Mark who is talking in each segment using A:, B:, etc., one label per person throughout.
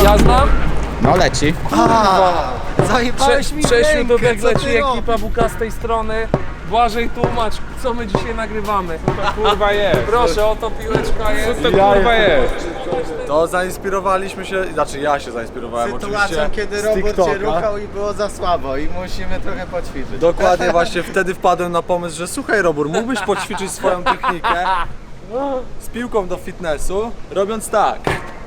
A: Jazda?
B: No leci.
C: Zajebałeś mi
A: Czesiu,
C: rękę,
A: Dudek
C: co ty
A: leci,
C: robisz?
A: ekipa WK z tej strony. Błażej, tłumacz, co my dzisiaj nagrywamy.
D: Kurwa jest.
A: Proszę, oto piłeczka jest.
D: To kurwa jest.
C: To zainspirowaliśmy się, znaczy ja się zainspirowałem
E: Sytuacją,
C: oczywiście
E: kiedy
C: z
E: robot cię
C: TikToka.
E: ruchał i było za słabo i musimy trochę poćwiczyć.
C: Dokładnie właśnie wtedy wpadłem na pomysł, że słuchaj Robur, mógłbyś poćwiczyć swoją technikę z piłką do fitnessu, robiąc tak.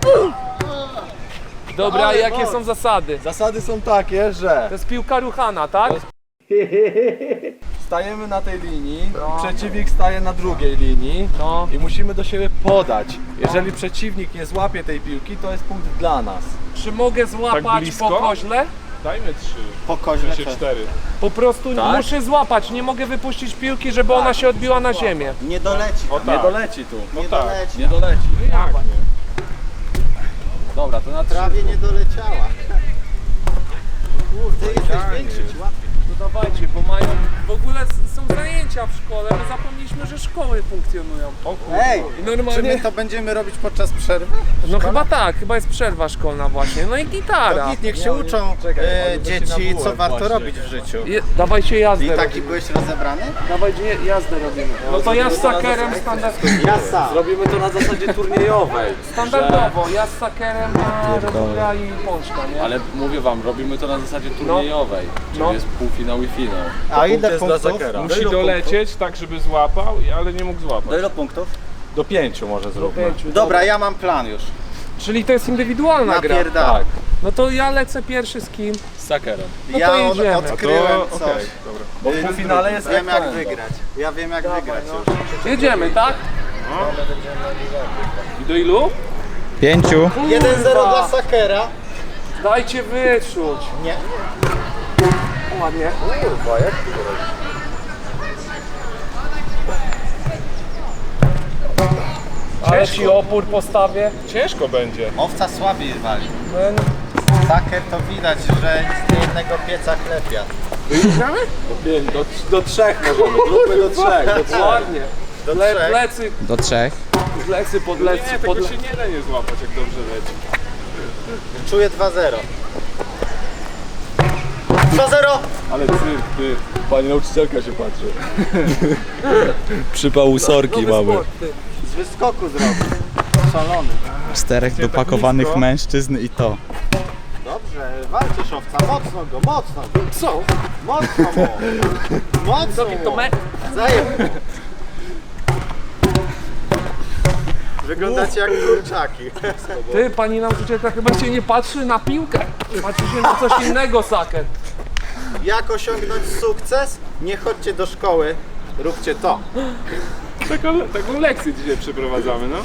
A: Dobra,
C: Ale
A: jakie
C: moc.
A: są zasady?
C: Zasady są takie, że
A: To jest piłka ruchana, tak?
C: stajemy na tej linii, przeciwnik staje na drugiej linii
A: No.
C: i musimy do siebie podać. Jeżeli przeciwnik nie złapie tej piłki, to jest punkt dla nas.
A: Czy mogę złapać
D: Tak blisko?
A: po koźle?
D: Dajmy 3.
E: Po koźle
D: Się 4.
A: Po prostu
C: Tak?
A: muszę złapać, nie mogę wypuścić piłki, żeby ona się odbiła na ziemię.
E: Nie doleci.
D: O
C: Nie
D: tak.
C: doleci tu.
D: No
E: Nie
D: tak.
E: doleci.
C: Nie doleci.
D: Jak nie?
C: Dobra, to na
E: Prawie nie doleciała. Kurde, jesteś większy, ci łatwiej.
A: No dawajcie, bo mają... W ogóle są zajęcia w szkole, my zapomnieliśmy, że szkoły funkcjonują.
D: O kurwa.
E: Ej,
A: I
E: czy
A: normalnie...
E: my to będziemy robić podczas przerwy?
A: No chyba tak, chyba jest przerwa szkolna właśnie. No i gitara.
E: To niech się uczą
C: czekaj, oni by się
E: dzieci,
C: nabułem
E: co warto
C: właśnie.
E: robić w życiu.
A: Dawajcie jazdę
E: I taki
A: robimy.
E: byłeś rozebrany?
A: Dawajcie jazdę robimy. No to ja z sakerem standardowo.
E: Ja sam.
C: Zrobimy to na zasadzie turniejowej.
A: Standardowo, ja z sakerem a Robura i Pączka, nie?
C: Ale mówię wam, robimy to na zasadzie turniejowej. Czyli
A: No.
C: jest półfinał i finał.
E: A ile
C: Punkt jest dla
E: punktów?
C: Zakera.
D: Musi dolecieć tak, żeby złapał, ale nie mógł
E: Do
D: złapać.
E: ilu punktów?
C: Do 5 może zróbmy.
E: Dobra, ja mam plan już.
A: Czyli to jest indywidualna gra.
E: Napierdam.
C: Tak,
A: No to ja lecę pierwszy z kim?
C: z Sakerem.
A: No
E: Ja
A: to jedziemy.
E: odkryłem
D: To
E: coś.
D: okej, dobra.
C: Bo w półfinale jest
E: Wiem jak
C: ex aequo.
E: wygrać. Ja wiem jak wygrać już.
A: Jedziemy, tak?
D: I do ilu?
B: 5.
E: 1-0 dla Sakera.
A: Dajcie wyczuć.
E: Nie.
A: Ładnie.
C: Kurwa, jak ty to robisz?
A: Ale ci opór postawię.
D: Ciężko będzie.
E: Owca słabiej wali.
A: Ben...
E: Saker to widać, że z jednego pieca chlepia.
C: Do 3 możemy, zróbmy do 3.
A: Ładnie.
E: Do trzech.
A: Plecy,
B: Do 3.
A: plecy, podlecy,
D: Nie, tego się nie da nie złapać, jak dobrze leci.
E: Czuję 2-0. 2-0!
C: Ale cyrk, ty. Pani nauczycielka się patrzy. Przypał ósorki mamy.
E: Z wyskoku zrobił. Szalony.
B: 4 dopakowanych mężczyzn i to.
E: Dobrze, walczysz owca. Mocno go, mocno go.
A: Co?
E: Mocno mu. Mocno
A: To
E: mu.
A: me...
E: Zajeb mu. Wyglądacie jak kurczaki.
A: Ty, pani nauczycielka chyba się nie patrzy na piłkę. Patrzy się na coś innego, saker.
E: Jak osiągnąć sukces? Nie chodźcie do szkoły, róbcie to.
D: Taką lekcję dzisiaj przeprowadzamy, no.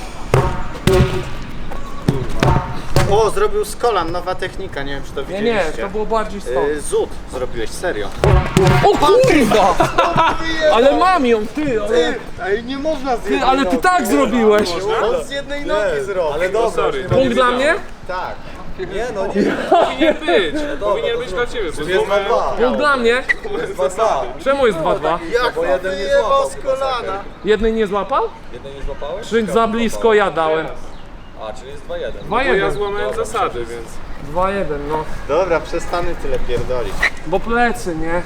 E: O, zrobił z kolan, nowa technika, nie wiem czy to
A: Nie,
E: widzieliście.
A: nie, to było bardziej stąd.
E: Zud zrobiłeś, serio.
A: O kurwa! Ale mam ją, ty, ale...
E: Ej, nie można z
A: Ty, ale ty tak zrobiłeś.
E: On z jednej nogi zrobił.
C: Ale dobra,
D: sorry.
A: Punkt dla mnie?
E: Tak.
C: nie no nie.
D: Powinien być. Powinien być dla ciebie. Bo
C: Jest
D: złamałem-
C: 2-2.
A: Punkt dla mnie?
C: Jest 2-2.
A: Czemu jest 2-2?
E: Jak
C: Bo jeden nie
E: wyjebał
C: złapał
E: z
C: chyba
E: kolana.
C: Saker.
A: Jednej nie złapał?
C: Jeden nie złapałeś?
A: Czy za blisko ja dałem?
C: A, czyli jest 2-1.
D: Bo ja
A: 2-1.
D: złamałem zasady, więc...
A: 2-1, no.
E: Dobra, przestanę tyle pierdolić.
A: Bo plecy, nie?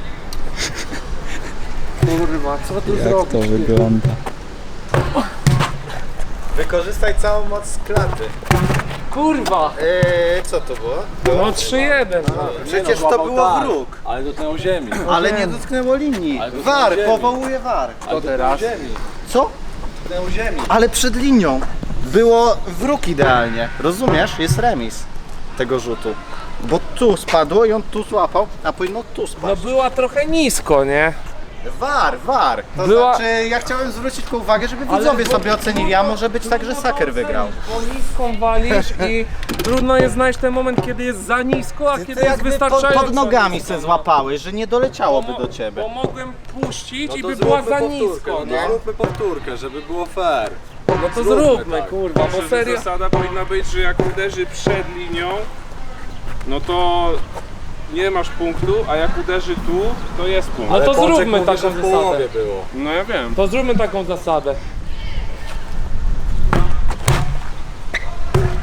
A: Kurwa, co tu
B: Jak
A: zrobić?
B: to wygląda?
E: Wykorzystaj całą moc z klaty.
A: Kurwa!
E: Co to było?
A: No 3-1. No.
E: Przecież to
C: złapał
E: było
C: tak,
E: wróg.
C: Ale dotknął ziemi.
E: Ale nie dotknęło linii.
C: Ale dotknął
E: War,
C: ziemi.
E: powołuje war.
C: Ale dotknął ziemi.
E: Co?
C: Dotknął ziemi.
E: Ale przed linią było wróg idealnie. Rozumiesz? Jest remis tego rzutu. Bo tu spadło i on tu złapał, a powinno tu
A: No
E: spaść.
A: była trochę nisko, nie?
E: War. To
A: Była-
E: znaczy, ja chciałem zwrócić tylko uwagę, żeby widzowie sobie ocenili, a może być tak, że Saker wygrał.
A: Bo niską walisz i trudno jest znaleźć ten moment, kiedy jest za nisko, a kiedy
E: To
A: jest
E: jakby
A: wystarczająco
E: pod nogami
A: nisko,
E: se
A: no.
E: złapałeś, że nie doleciałoby do ciebie.
A: Bo mogłem puścić i
C: to
A: by była
C: zróbmy
A: za
C: powtórkę,
A: nisko,
C: no
A: nie?
C: to zróbmy powtórkę, żeby było fair.
A: No to
C: Zróbmy
A: zróbmy,
C: tak.
A: kurwa, bo
D: Myślę, że
A: serio...
D: zasada powinna być, że jak uderzy przed linią, no to nie masz punktu, a jak uderzy tu, to jest punkt.
A: No to
C: Pączek
A: zróbmy
C: mówi,
A: taką
C: że w
A: zasadę.
C: połowie było.
D: No ja wiem.
A: To zróbmy taką zasadę.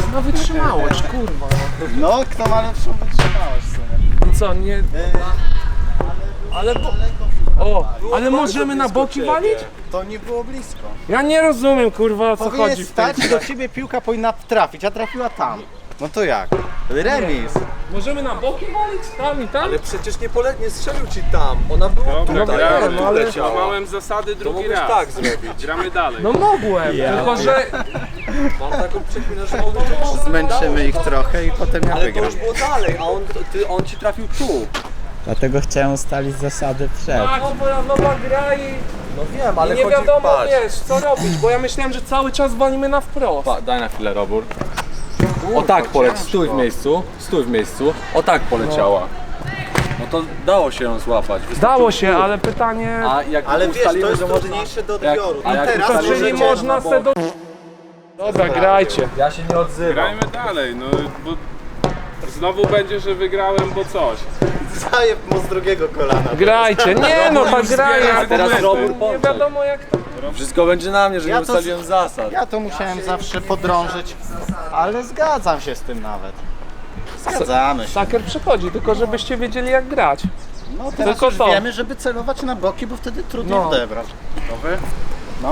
A: No wytrzymałość, kurwa.
E: No, kto ma lepszą wytrzymałość w sumie.
A: I co, nie... Ale bo... O, ale możemy na boki walić?
E: To nie było blisko.
A: Ja nie rozumiem, kurwa, o co
E: Powinien
A: chodzi w tej
E: stać i do ciebie piłka powinna trafić, a trafiła tam. No to jak? Remis.
A: Możemy na boki walić? Tam i tam?
C: Ale przecież nie strzelił ci tam. Ona była
D: Dobra,
C: tutaj,
D: gramy.
C: tu leciała.
D: Złamałem zasady
C: To
D: drugi
C: mógłbyś
D: raz.
C: tak zrobić.
D: Gramy dalej.
A: No mogłem, tylko że...
C: Mam taką przekminę, że mogę...
E: Zmęczymy ich trochę i potem ja
C: Ale to
E: wygram.
C: już było dalej, a on ci trafił tu.
B: Dlatego chciałem ustalić zasady przed.
A: Tak, moja nowa gra i...
C: No wiem, ale
A: I nie
C: chodzi
A: wiadomo,
C: patrz.
A: wiesz, co robić, bo ja myślałem, że cały czas walimy na wprost.
C: Daj na chwilę, Robur. O tak poleć, stój w miejscu. O tak poleciała. No to dało się ją złapać.
A: Dało się, ale pytanie...
C: A jak
E: Ale wiesz, to
C: ustalimy,
E: jest
C: że może...
E: trudniejsze do
C: jak-
E: odbioru.
C: a
E: I
C: jak
E: teraz
A: To
C: ustalimy,
A: czyli
C: że
A: można
C: na
A: se do... Dobra, grajcie.
C: Ja się nie odzywam.
D: Grajmy dalej, no bo znowu będzie, że wygrałem, bo coś.
E: Zajeb mu z drugiego kolana.
A: Grajcie, nie no, ta
D: już
A: gra
D: zbiera
A: jest...
C: Teraz
D: argumenty.
C: Robur
A: Nie
C: pomóż.
A: wiadomo jak to...
C: Wszystko będzie na mnie, że
E: Ja
C: nie
E: to-
C: ustaliłem zasad.
E: Ja to musiałem zawsze podrążyć, ale zgadzam się z tym nawet. Zgadzamy się.
A: Saker przychodzi, tylko żebyście wiedzieli jak grać.
E: No teraz
A: Tylko
E: już
A: to.
E: wiemy, żeby celować na boki, bo wtedy trudniej
A: No.
E: odebrać. Gotowy? No.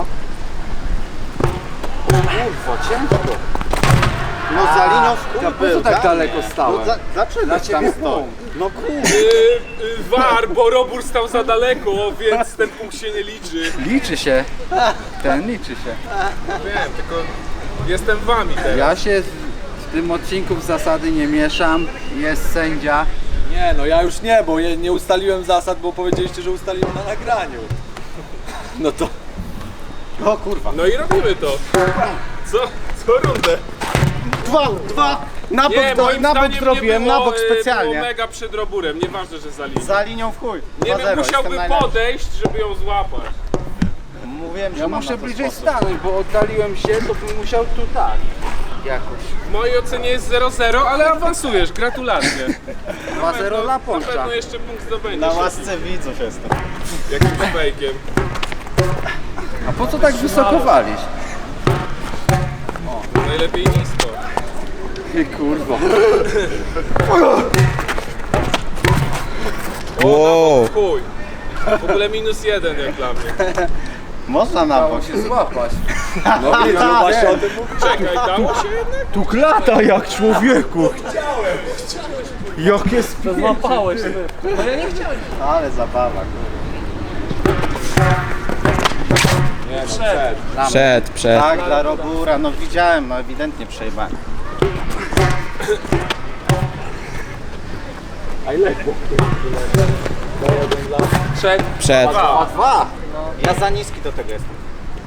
E: Kurwa, ciężko. No za linią w chuj był,
C: tak
E: dla
C: daleko
E: mnie.
C: stałem?
E: No, dlaczego tam stoi? No kurwa.
D: War, bo Robur stał za daleko, więc ten punkt się nie liczy.
F: Liczy się. Ten liczy się.
D: Wiem, tylko jestem wami teraz.
F: Ja się w tym odcinku w zasady nie mieszam. Jest sędzia.
C: Nie, no ja już nie, bo nie ustaliłem zasad, bo powiedzieliście, że ustaliłem na nagraniu. No to...
E: O kurwa.
D: No i robimy to. Co rundę?
E: Dwa. Na bok,
D: Nie, moim
E: na bok
D: zdaniem
E: zrobiłem,
D: nie było,
E: na bok
D: Było
E: specjalnie.
D: mega przed Roburem, nieważne, że za linią.
E: Za linią w chuj.
D: Nie
E: 2-0,
D: wiem,
E: jestem
D: musiałby
E: najlepszy.
D: podejść, żeby ją złapać.
E: Mówiłem, że
F: Ja
E: mam
F: muszę
E: na to
F: bliżej
E: sposób.
F: stanąć, bo oddaliłem się, to bym musiał tu tak. Jakoś.
D: W mojej ocenie jest 0-0, ale awansujesz, gratulacje.
F: 2-0 dla
D: Na
F: Polska.
D: pewno jeszcze punkt zdobędziesz.
E: Na łasce widzów jestem.
D: Jakimś fejkiem.
F: A po co tak wysoko walić?
D: Najlepiej nisko.
F: Ty kurwa.
B: Wow.
D: Chuj. W ogóle -1 jak dla mnie.
E: Można na bok.
F: Dało się złapać.
C: No właśnie o tym mówię.
D: Czekaj, dało się jednak?
E: Tu klata jak człowieku. Jakie
A: To złapałeś ty. No ja nie chciałem.
E: Ale zabawa.
B: Przed.
E: Tak, dla Robura, no widziałem, no ewidentnie przejebałem.
A: Trzech.
B: Przed.
E: Dwa! Ja za niski do tego jestem.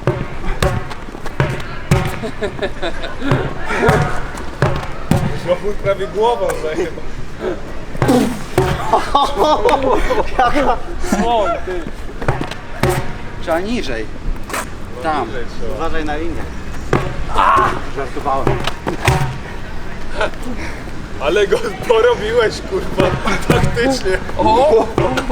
D: Robur prawie głową zajebał.
A: Słoń, ty.
F: Trzeba niżej. Tam.
E: Uważaj na linię. Żartowałem.
D: Ale go porobiłeś, kurwa, taktycznie.
A: O!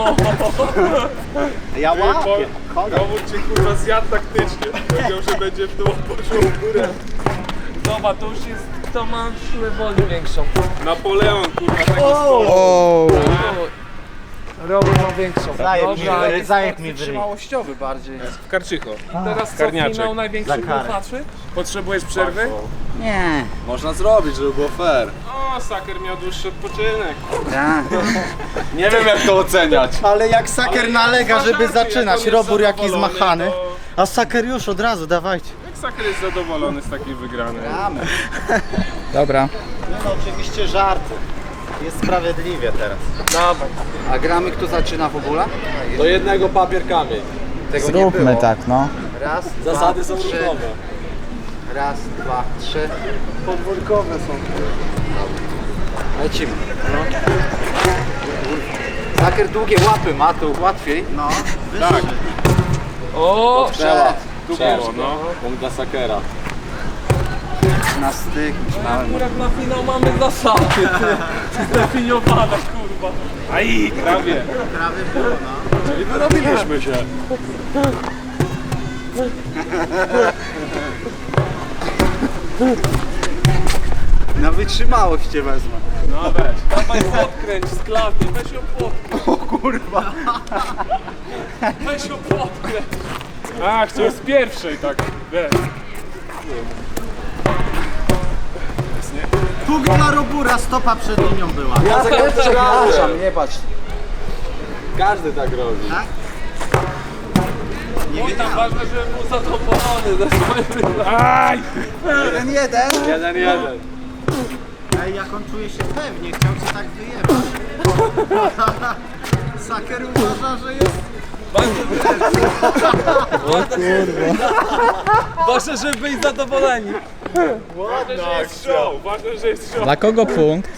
E: Ja łapię.
D: Robur cię, kurwa, zjadł taktycznie. Powiedział, że będzie w dół, poszło w górę.
A: Dobra, to już jest... Kto ma siłę woli większą?
D: Napoleon, kurwa, taki stol.
B: O.
A: Robert ma większą.
E: Zajeb mi w ryj.
F: Wytrzymałościowy bardziej.
D: W Karczycho.
A: Teraz co,
D: Karniaczek.
A: finał największych
E: Za karę.
A: graczy?
D: Potrzebujesz przerwy?
F: Nie.
C: Można zrobić, żeby było fair.
D: O, Saker miał dłuższy odpoczynek.
F: Tak.
C: Nie wiem jak to oceniać.
E: Ale jak Saker
D: Ale
E: nalega,
D: jak
E: żeby
D: uważacie,
E: zaczynać,
D: jak on jest
E: Robur jaki
D: zadowolony,
E: zmachany.
D: to-
E: A Saker już od razu, dawajcie.
D: Jak Saker jest zadowolony z takiej wygranej?
B: Dobra.
E: No oczywiście żarty. Jest sprawiedliwie teraz.
A: Dawaj.
F: A gramy kto zaczyna w ogóle?
C: Do jednego papier kamień.
F: Tego nie
B: Zróbmy
F: było.
B: tak, no.
F: Raz,
C: Zasady
F: dwa,
C: są
F: trzy.
C: różnowe.
F: Raz, dwa, trzy.
A: Podwórkowe są.
F: Lecimy. Zaker długie łapy ma, to łatwiej.
E: No,
D: Tak,
A: O!
F: Trzeba.
D: tu było, no.
C: Punkt dla Sakera.
F: Na styk. Myślałem.
A: Akurat na finał mamy zasady. Zdefiniowane, kurwa.
D: Aj, prawie.
E: prawie było, no.
C: I wyrobiliśmy się.
E: Na wytrzymałość cię wezmę.
D: No weź.
A: Dawaj podkręć z klatki, weź ją podkręć.
E: O kurwa.
A: Weź ją podkręć.
D: A, chciałem z pierwszej tak. Weź.
E: Tu dla Robura stopa przed linią była.
F: Ja przepraszam, nie patrz.
C: Każdy tak robi.
A: Nie tam ważne, żeby był zadowolony ze swoim wyglądem.
D: Aj!
E: 1-1.
C: 1-1.
E: Ej, jak on czuje się pewnie, chciał cię tak wyjebać. Saker uważa, że jest...
A: Ważne, żeby być zadowoleni.
D: Ważne, że jest show. Ważne, że jest show.
B: Dla kogo punkt?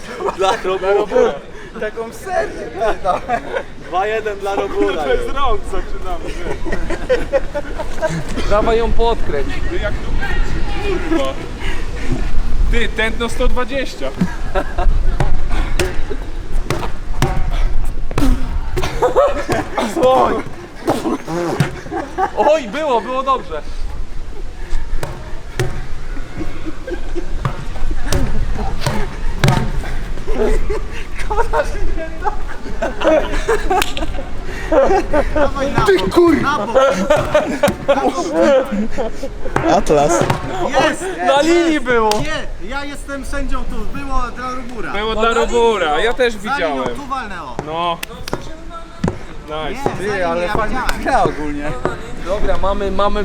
E: Taką serię. 2-1 dla Robura.
D: Bez rąk zaczynamy.
A: Dawaj ją podkręć.
D: Ty jak tu kręci, kurwa. Ty, tętno 120.
A: Oj, było dobrze.
E: Ty kurwa!
B: Atlas.
E: Jest!
A: Na linii było.
E: Nie, ja jestem sędzią tu, było dla Robura.
D: Było dla Robura, ja też
E: Za linią
D: widziałem.
E: tu walnęło.
D: No. Nice.
E: Nie, ty, ale fajnie gra ogólnie.
A: Dobra, mamy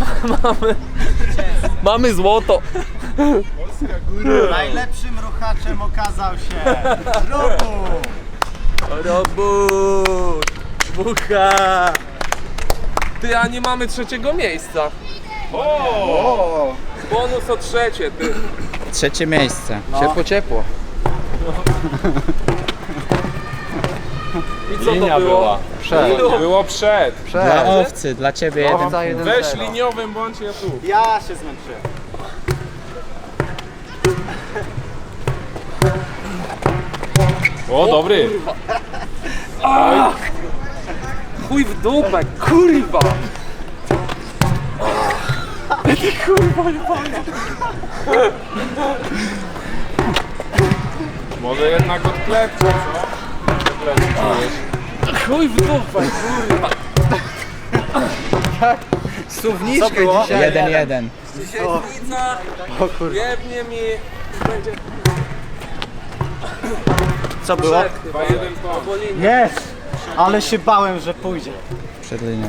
A: mamy złoto.
E: Najlepszym ruchaczem okazał się Robur.
A: Robót. Bucha. Ty, a nie mamy trzeciego miejsca.
D: O!
A: Bonus o trzecie, ty.
B: Trzecie miejsce.
F: Ciepło, ciepło.
A: I co to było?
D: Było przed.
B: Dla owcy, dla ciebie jeden.
F: Owca 1-0.
D: Weź liniowym, bądź ja tu.
E: Ja się zmęczyłem.
D: O, dobry.
A: Chuj w dupę, kurwa.
D: Może jednak odklepcie, co? Odklepcie czujesz.
A: Chuj w dupę, kurwa.
F: Suwniczkę
E: było?
F: dzisiaj.
B: 1-1.
A: Siedzielnica, jebnie mi. Będzie
E: Co było?
A: przed chyba.
D: 2-1 po.
A: Albo linia.
E: Jest! Ale się bałem, że pójdzie.
B: Przed linią.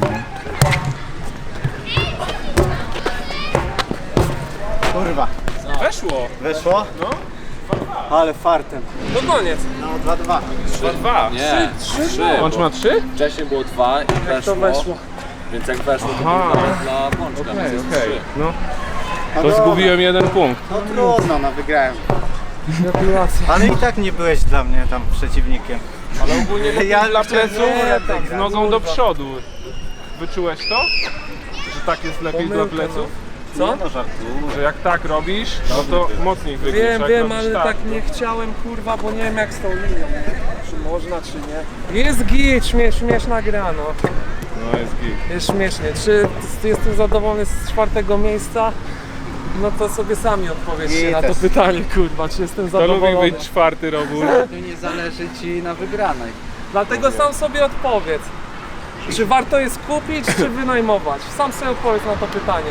E: Kurwa.
D: Weszło.
E: Weszło?
D: No.
E: Ale fartem.
A: No koniec.
E: No 2-2.
D: 2-2.
G: Nie,
A: 3.
D: Łącz ma 3?
G: wcześniej było 2 i
A: To weszło.
G: więc jak weszło to
D: Aha.
G: było dla Pączka, więc jest 3.
D: No. To zgubiłem 1 punkt.
E: No trudno, no wygrałem.
A: Gratulacje.
E: Ale i tak nie byłeś dla mnie tam przeciwnikiem.
D: Ale ogólnie lepiej
E: Ja
D: dla
E: chciałem
D: pleców
E: tak
D: z nogą do przodu. Wyczułeś to? Że tak jest lepiej dla
A: Pomyłka,
D: pleców?
A: Co?
E: No żartuję.
D: Że jak tak robisz, no to mocniej wygniesz.
A: Wiem,
D: jak
A: wiem,
D: robisz
A: ale tak nie chciałem, kurwa, bo nie wiem jak z tą linią. Czy można, czy nie. Jest git, śmieszna gra, no.
D: No jest git.
A: Jest śmiesznie. Czy jestem zadowolony z czwartego miejsca? No to sobie sami odpowiedzcie na to
E: Gites.
A: pytanie, kurwa, czy jestem
D: To lubi
A: zadowolony.
D: być czwarty robór.
F: Tu nie zależy ci na wygranej.
A: Dlatego sam sobie odpowiedz. Czy warto jest kupić, czy wynajmować? Sam sobie odpowiedz na to pytanie.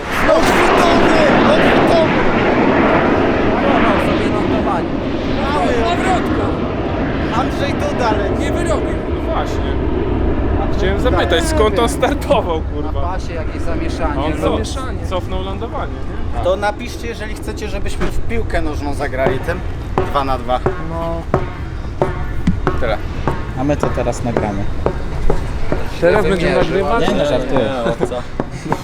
F: Sobie lądowanie.
A: Powrotka!
E: Andrzej Duda leci.
A: Nie wyrobił.
D: No właśnie. Chciałem zapytać, skąd on startował,
F: Na
D: kurwa?
F: pasie jakieś
D: A
F: zamieszanie.
D: on
A: Zamieszanie.
D: cofnął lądowanie, nie?
E: To napiszcie, jeżeli chcecie, żebyśmy w piłkę nożną zagrali tym 2-2.
A: No.
B: Tyle. A my to teraz nagramy.
A: Teraz będziemy nagrywać?
B: Nie, no żartuję.